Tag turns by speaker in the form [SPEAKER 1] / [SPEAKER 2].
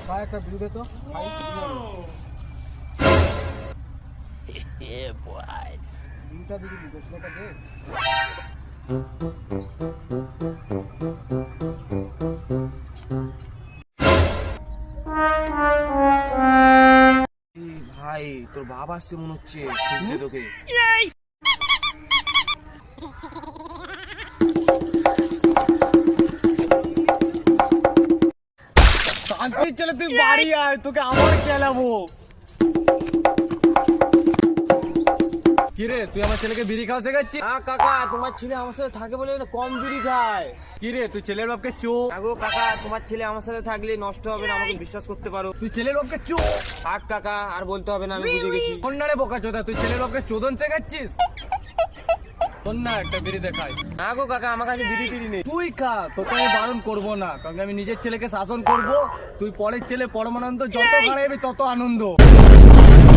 [SPEAKER 1] ভাই একটা বিল দে তো ভাই। বিলটা দিবি 10 টাকা দে।
[SPEAKER 2] ভাই তোর বাবা আসছে মনে হচ্ছে, খুঁজতে তোকে।
[SPEAKER 1] শান্তি চলে তুই বাড়ি আয়, তোকে আবার খেলাবো। কিরে তুই আমার ছেলেকে বিড়ি খাওয়া শেখাচ্ছিস?
[SPEAKER 2] হ্যাঁ কাকা, তোমার ছেলে আমার সাথে থাকে বলে না কম বিড়ি খায়।
[SPEAKER 1] কিরে তুই ছেলের বাপকে চো?
[SPEAKER 2] আগো কাকা, তোমার ছেলে আমার সাথে থাকলে নষ্ট হবে না, আমাকে বিশ্বাস করতে পারো।
[SPEAKER 1] তুই ছেলের বাপকে চো?
[SPEAKER 2] থাক কাকা, আর বলতে হবে না, আমি বুঝে গেছি।
[SPEAKER 1] কন্যারে বোকা চোদা, তুই ছেলের বাপকে চোদন শেখাচ্ছিস? কন্যা একটা বিড়ি দেখাই।
[SPEAKER 2] না গো কাকা, আমার কাছে বিড়ি টিড়ি নেই।
[SPEAKER 1] তুই খা, তোকে আমি বারণ করবো না, কারণ আমি নিজের ছেলেকে শাসন করব। তুই পরের ছেলে পরমানন্দ, যত খারাপি তত আনন্দ।